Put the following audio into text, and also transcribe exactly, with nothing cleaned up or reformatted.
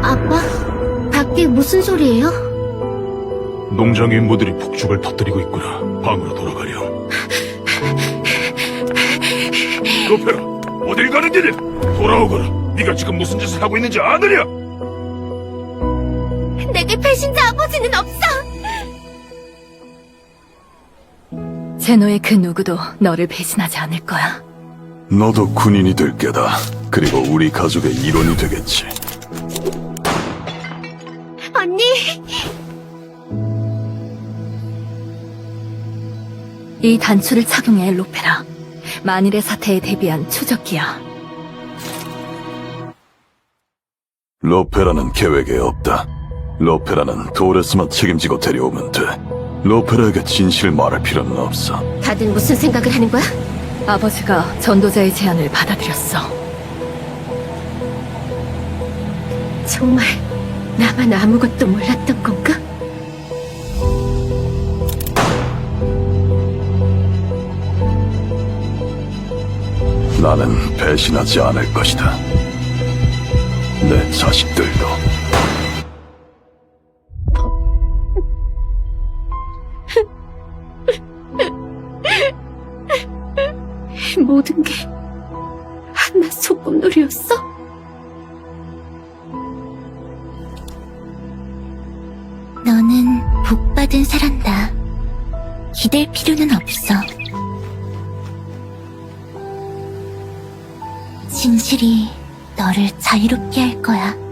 아빠? 밖에 무슨 소리예요? 농장 인부들이 폭죽을 터뜨리고 있구나. 방으로 돌아가렴. 로페라, 어딜 가는 길이야? 돌아오거라. 네가 지금 무슨 짓을 하고 있는지 아느냐? 내게 배신자 아버지는 없어! 제노의 그 누구도 너를 배신하지 않을 거야. 너도 군인이 될 게다. 그리고 우리 가족의 일원이 되겠지. 언니! 이 단추를 착용해, 로페라. 만일의 사태에 대비한 추적기야. 로페라는 계획에 없다. 로페라는 도레스만 책임지고 데려오면 돼. 로페라에게 진실을 말할 필요는 없어. 다들 무슨 생각을 하는 거야? 아버지가 전도자의 제안을 받아들였어. 정말 나만 아무것도 몰랐던 건가? 나는 배신하지 않을 것이다. 내 자식들도. 모든 게 한낱 소꿉놀이였어? 너는 복받은 사람다. 기댈 필요는 없어. 진실이 너를 자유롭게 할 거야.